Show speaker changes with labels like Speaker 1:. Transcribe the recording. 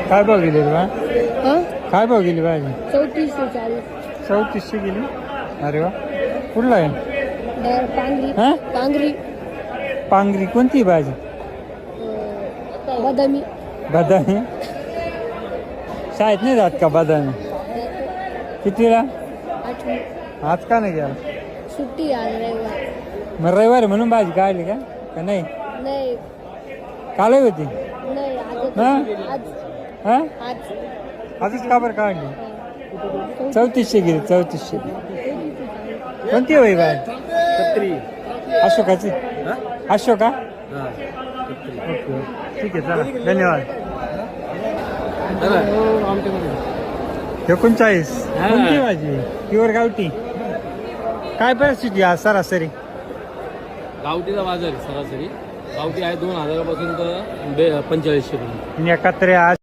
Speaker 1: काय भाव गेली बा?
Speaker 2: हां
Speaker 1: काय भाव गेली भाजी?
Speaker 2: 3440
Speaker 1: 3400 गेली. अरे वा, कुठला आहे?
Speaker 2: पांगरी
Speaker 1: हा
Speaker 2: पांगरी
Speaker 1: पांगरी. कोणती भाजी?
Speaker 2: बदामी
Speaker 1: बदामी. शाळेत नाही जात का बदामी? कितीला?
Speaker 2: 8
Speaker 1: आज का नाही गेला?
Speaker 2: सुट्टी आज रविवार
Speaker 1: मग रविवारी म्हणून भाजी काढली का? का नाही?
Speaker 2: नाही
Speaker 1: काल होती.
Speaker 2: नाही
Speaker 1: हा?
Speaker 2: आज
Speaker 1: हा
Speaker 2: आज
Speaker 1: आजच का बरं काढली? 3400 गेली. 3400. कोणती होई भाजी?
Speaker 3: छत्री.
Speaker 1: अशोकाची. अशोका.
Speaker 3: हा.
Speaker 1: ओके, ठीक आहे, चला, धन्यवाद. 39. कोणती भाजी? प्युअर गावठी. काय परिस्थिती आज सरासरी?
Speaker 3: गावठीचा बाजार आहे सरासरी. गावठी आहे 2000 पासून तर 4500 पर्यंत.
Speaker 1: एकत्र आज